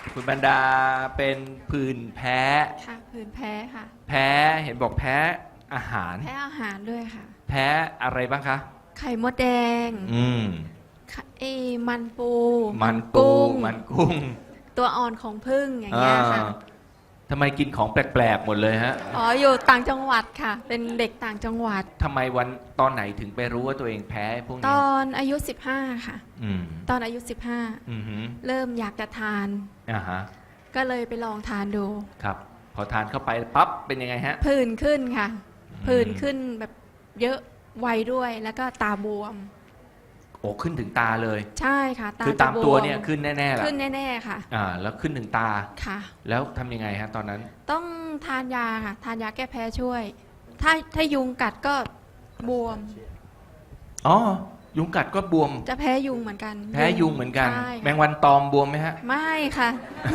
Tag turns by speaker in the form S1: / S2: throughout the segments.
S1: คุณบรรดาเป็นผื่นแพ้
S2: ค่ะผื่นแพ้ค่ะ
S1: แพ้เห็นบอกแพ้อาหาร
S2: แพ้อาหารด้วยค่ะ
S1: แพ้อะไรบ้างคะ
S2: ไข่มดแดง
S1: อืม
S2: มันปู
S1: มันปู
S2: กุ้ง
S1: มันกุ้ง
S2: ตัวอ่อนของผึ้งอย่างเงี้ยค่ะ
S1: ทำไมกินของแปลกๆหมดเลยฮะ
S2: อ๋ออยู่ต่างจังหวัดค่ะ เป็นเด็กต่างจังหวัด
S1: ทำไมตอนไหนถึงไปรู้ว่าตัวเองแพ้พวก
S2: ต
S1: นี้
S2: อนอายุ15ค่ะ
S1: อืม
S2: ตอนอายุ
S1: อือหือ
S2: 15 เริ่มอยากจะทาน
S1: อ่าฮะ
S2: ก็เลยไปลองทานดู
S1: ครับ พอทานเข้าไปปั๊บเป็นยังไงฮะ
S2: ผื่นขึ้นค่ะ
S1: อืม
S2: ผื่นขึ้นแบบเยอะไวด้วยแล้วก็ตาบวม
S1: โอ้ขึ้นถึงตาเลย
S2: ใช่ค่ะตา
S1: คือตาม
S2: จะบ
S1: ตัวเนี่ยขึ้นแน่ๆแหละ
S2: ขึ้นแน่ๆค่ะ
S1: แล้วขึ้นถึงตา
S2: ค่ะ
S1: แล้วทำยังไงฮะตอนนั้น
S2: ต้องทานยาค่ะ ทานยาแก้แพ้ช่วย ถ้ายุงกัดก็บวม
S1: อ๋อ ยุงกัดก็บวม
S2: จะแพ้ยุงเหมือนกัน
S1: แพ้ยุงเหมือนกัน
S2: ใช่
S1: แมงวันตอมบวมไหมฮะ
S2: ไม่ค่ะ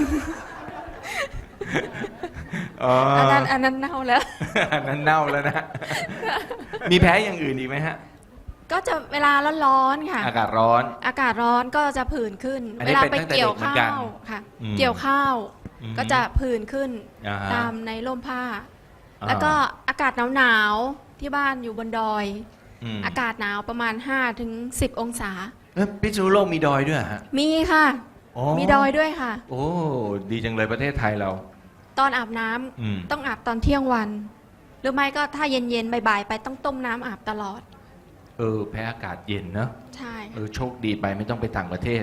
S1: อ๋อ
S2: อันนั้นเน่าแล้ว
S1: อันนั้นเน่าแล้วนะ มีแพ้อย่างอื่นอีกไหมฮะ
S2: ก็จะเวลาร้อนๆค่ะ
S1: อากาศร้อน
S2: อากาศร้อนก็จะผื่นขึ้น
S1: อันนี้
S2: เวลา
S1: เป็น
S2: ไป
S1: ตั้งแต่
S2: เกี่ยว
S1: เด็กเหมือน
S2: ข้า
S1: กัน
S2: วค่ะ
S1: อืม
S2: เกี่ยวข้าว
S1: อืม
S2: ก็จะผื่นขึ้น
S1: อ่าฮะ
S2: ตามในร่มผ้า
S1: อ่า
S2: แล้วก็อากาศหนาวๆที่บ้านอยู่บนดอย
S1: ม
S2: อากาศหนาวประมาณ5 ถึง 10 องศา
S1: พิษณุโลกมีดอยด้วยเหรอฮะ
S2: มีค่ะ
S1: อ๋อ
S2: มีดอยด้วยค่ะ
S1: โอ้ ดีจังเลยประเทศไทยเรา
S2: ตอนอาบน้ำ
S1: อืม
S2: ต้องอาบตอนเที่ยงวัน หรือไม่ก็ถ้าเย็นๆบ่ายๆไปต้องต้มน้ำอาบตลอด
S1: แพ้อากาศเย็นเนอะ
S2: ใช่
S1: โชคดีไปไม่ต้องไปต่างประเทศ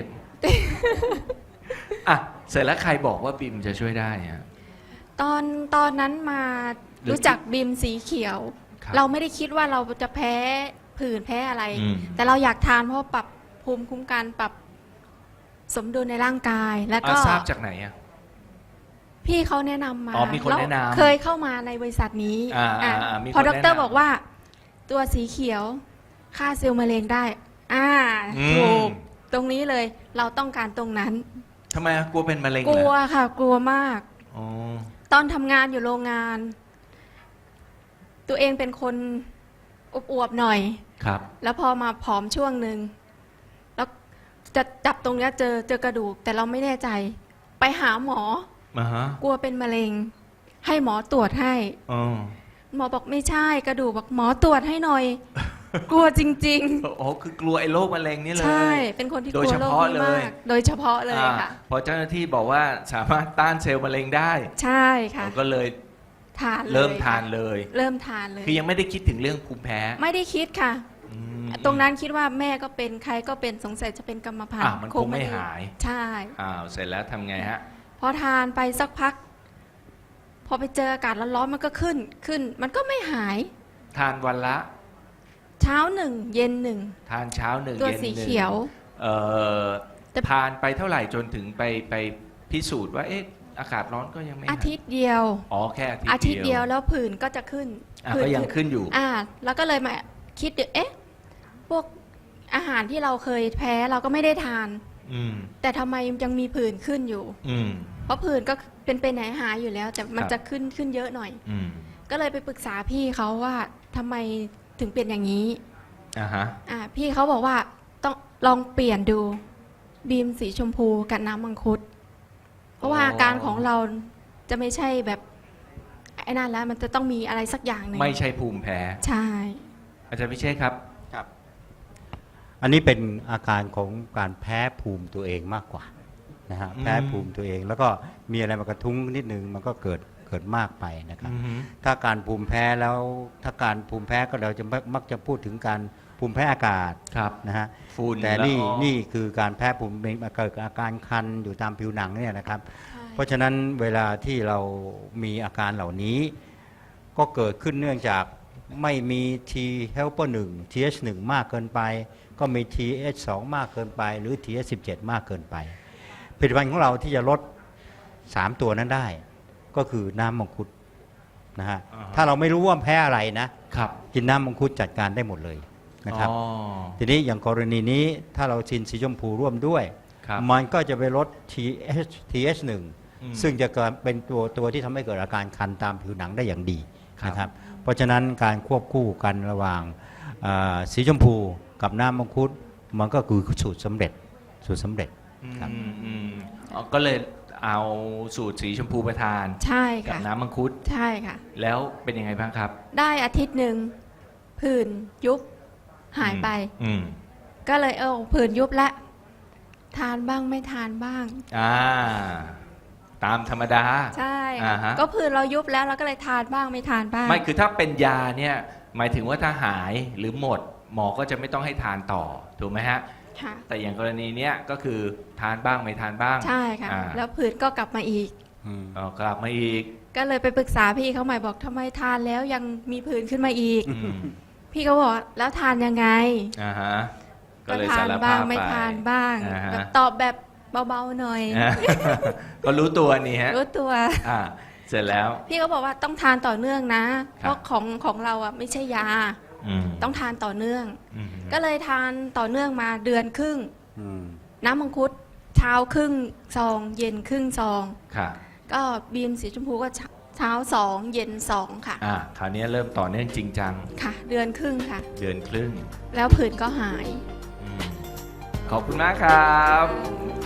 S1: อ่ะ เสร็จแล้วใครบอกว่าบิมจะช่วยได้ฮะ
S2: ตอนนั้นมารู้จักบีมสีเขียว
S1: ครับ
S2: เราไม่ได้คิดว่าเราจะแพ้ผื่นแพ้อะไร
S1: อืม
S2: แต่เราอยากทานเพราะปรับภูมิคุ้มกันปรับสมดุลในร่างกาย แล้วก็
S1: ทราบจากไหนอ่ะ
S2: พี่เขาแนะนำมา
S1: อ๋อมีคนแนะนำ
S2: เคยเข้ามาในบริษัทนี้
S1: อ่า
S2: อ่ะ
S1: มีคน
S2: พอด
S1: แนะนำ
S2: รบอกว่า ตัวสีเขียวฆ่าเซลล์มะเร็งได้
S1: อืม
S2: ถูกตรงนี้เลย เราต้องการตรงนั้น
S1: ทำไมกลัวเป็นมะเร็ง
S2: ก
S1: เหร
S2: ลัว
S1: อ
S2: ค่ะ กลัวมาก
S1: อ๋อ
S2: ตอนทำงานอยู่โรงงาน ตัวเองเป็นคนอวบๆหน่อย
S1: ครับ
S2: แล้วพอมาผอมช่วงหนึ่งแล้วจะจับตรงเนี้ยเจอกระดูก แต่เราไม่แน่ใจ ไปหาหมอ
S1: มาฮะ
S2: กลัวเป็นมะเร็ง ให้หมอตรวจให้
S1: อ๋อ
S2: หมอบอกไม่ใช่กระดูกบอกหมอตรวจให้หน่อย กลัวจริง
S1: โอ้คือกลัวไอ้โรคมะเร็งนี่เล
S2: ๆ
S1: ย
S2: ใช่ เป็นคนที่ก
S1: โด
S2: ลั
S1: ยว เฉ
S2: โรค
S1: พาะ
S2: นี้
S1: เลย
S2: มาก โดยเฉพาะเลยค่ะ
S1: พอเจ้าหน้าที่บอกว่าสามารถต้านเซลล์มะเร็งได้
S2: ใช่ค่ะ
S1: ก็เลย
S2: ทานเลย
S1: เริ่มทาน
S2: ค่ะ
S1: เลย
S2: เริ่มทานเลย
S1: คือยังไม่ได้คิดถึงเรื่องภูมิแพ้
S2: ไม่ได้คิดค่ะ
S1: อืม
S2: ตรงนั้นคิดว่าแม่ก็เป็นใครก็เป็นสงสัยจะเป็นกรรมพันธุ์
S1: มันคงไม่หาย
S2: ใช่
S1: เสร็จแล้วทำไงฮะ
S2: พอทานไปสักพัก พอไปเจออากาศร้อนๆมันก็ขึ้น มันก็ไม่หาย
S1: ทานวันละ
S2: เช้าหนึ่งเย็นหนึ่ง
S1: ทานเช้าหนึ่ง
S2: ตัว
S1: เย็นห
S2: สี
S1: นึ่ง
S2: เขียว แต่
S1: ทานไปเท่าไหร่จนถึงไปพิสูจน์ว่าอากาศร้อนก็ยังไม่ห
S2: อาทิตย์เดียว
S1: อ๋อแค่
S2: อาทิตย์เดียวแล้วผื่นก็จะขึ้น ผื่น
S1: ก็ยังขึ้นอยู่
S2: แล้วก็เลยมาคิดดูพวกอาหารที่เราเคยแพ้เราก็ไม่ได้ทาน
S1: อืม
S2: แต่ทำไมยังมีผื่นขึ้นอยู่
S1: อืม
S2: เพราะผื่นก็เป็นไปไหนหายอยู่แล้ว แต่มัน
S1: ครับ
S2: จะขึ้นเยอะหน่อย
S1: อืม
S2: ก็เลยไปปรึกษาพี่เขาว่าทำไมถึงเป็นอย่างนี้
S1: ฮะ
S2: พี่เขาบอกว่าต้องลองเปลี่ยนดูบีมสีชมพูกับน้ำมังคุด เพราะว่าอาการของเราจะไม่ใช่แบบไอ้นั่นแล้ว มันจะต้องมีอะไรสักอย่างหนึ่ง
S1: ไม่ใช่ภูมิแพ้
S2: ใช่
S1: อาจารย์พิเชษครับ
S3: อันนี้เป็นอาการของการแพ้ภูมิตัวเองมากกว่านะฮะ
S1: อืม
S3: แพ้ภูมิตัวเอง แล้วก็มีอะไรมากระทุ้งนิดนึงมันก็เกิดมากไปนะครับ
S1: อือฮึ
S3: ถ้าการภูมิแพ้แล้วถ้าการภูมิแพ้ก็เราจะมักจะพูดถึงการภูมิแพ้อากาศ
S1: ครับ
S3: นะฮะ
S1: ฝุ่น
S3: แต่
S1: ละออง
S3: นี่คือการแพ้ภูมิเกิดอาการคันอยู่ตามผิวหนังเนี่ยนะครับ
S2: ใช่
S3: เพราะฉะนั้นเวลาที่เรามีอาการเหล่านี้ ก็เกิดขึ้นเนื่องจากไม่มี T helper 1 TH1 มากเกินไป ก็มี TH2 มากเกินไป หรือ TH17 มากเกินไปผลิตภัณฑ์ของเราที่จะลด 3 ตัวนั้นได้ ก็คือน้ำมังคุดนะฮะ
S1: อ่าฮะ
S3: ถ้าเราไม่รู้ว่าแพ้อะไรนะ
S1: ครับ
S3: กินน้ำมังคุดจัดการได้หมดเลยนะครับ
S1: อ๋อ
S3: ทีนี้อย่างกรณีนี้ถ้าเราชินสีชมพูร่วมด้วย
S1: ครับ
S3: มันก็จะไปลด TH1
S1: อืม
S3: ซึ่งจะเกิดเป็นตัวที่ทำให้เกิดอาการคันตามผิวหนังได้อย่างดี
S1: ครับ
S3: นะครับ เพราะฉะนั้นการควบคู่กันระหว่างสีชมพูกับน้ำมังคุดมันก็คือสูตรสำเร็จ ครับ
S1: ก็เลยเอาสูตรสีชมพูไปทาน
S2: ใช่
S1: กับ
S2: ค่ะ
S1: น้ำมังคุด
S2: ใช่ค่ะ
S1: แล้วเป็นยังไงบ้างครับ
S2: ได้อาทิตย์หนึ่งผื่นยุบหายไป
S1: อืม
S2: ก็เลยผื่นยุบละทานบ้างไม่ทานบ้าง
S1: อ่า ตามธรรมดา
S2: ใช่
S1: อ่า
S2: ค่ะ
S1: ฮะ
S2: ก็ผื่นเรายุบแล้วเราก็เลยทานบ้างไม่ทานบ้าง
S1: ไม่คือถ้าเป็นยาเนี่ยหมายถึงว่าถ้าหายหรือหมด หมอก็จะไม่ต้องให้ทานต่อถูกไหมฮะ
S2: ค่ะ
S1: แต่อย่างกรณีเนี้ยก็คือทานบ้างไม่ทานบ้าง
S2: ใช่ค่ะ
S1: อ่า
S2: แล้วผื่นก็กลับมาอีก
S1: กลับมาอีก
S2: ก็เลยไปปรึกษาพี่เขาใหม่บอกทำไมทานแล้วยังมีผื่นขึ้นมาอีก
S1: อืม
S2: พี่เขาบอกแล้วทานยังไง
S1: อ่าฮะก็เลย
S2: ทา
S1: สาน ร
S2: บ้า
S1: ภาง พ
S2: ไม่
S1: ไป
S2: ทานบ้าง
S1: อ่าฮะ
S2: แบบตอบแบบเบาๆหน่อย
S1: อ่า ก็รู้ตัวนี่ฮะ
S2: รู้ตัว
S1: อ่า เสร็จแล้ว
S2: พี่เขาบอกว่าต้องทานต่อเนื่องนะ
S1: ครับ
S2: เพราะของเราอ่ะไม่ใช่ยา
S1: ม
S2: ต้องทานต่อเนื่อง
S1: อืม
S2: ก็เลยทานต่อเนื่องมาเดือนครึ่ง
S3: อืม
S2: น้ำมังคุดเช้าครึ่งซอง เย็นครึ่งซอง
S1: ค่ะ
S2: ก็บีมสีชมพูก็เช้าสองเย็นสองค่ะ
S1: คราวนี้เริ่มต่อเนื่องจริงจัง
S2: ค่ะ เดือนครึ่งค่ะ
S1: เดือนครึ่ง
S2: แล้วผื่นก็หาย
S1: อืมขอบคุณมากครับ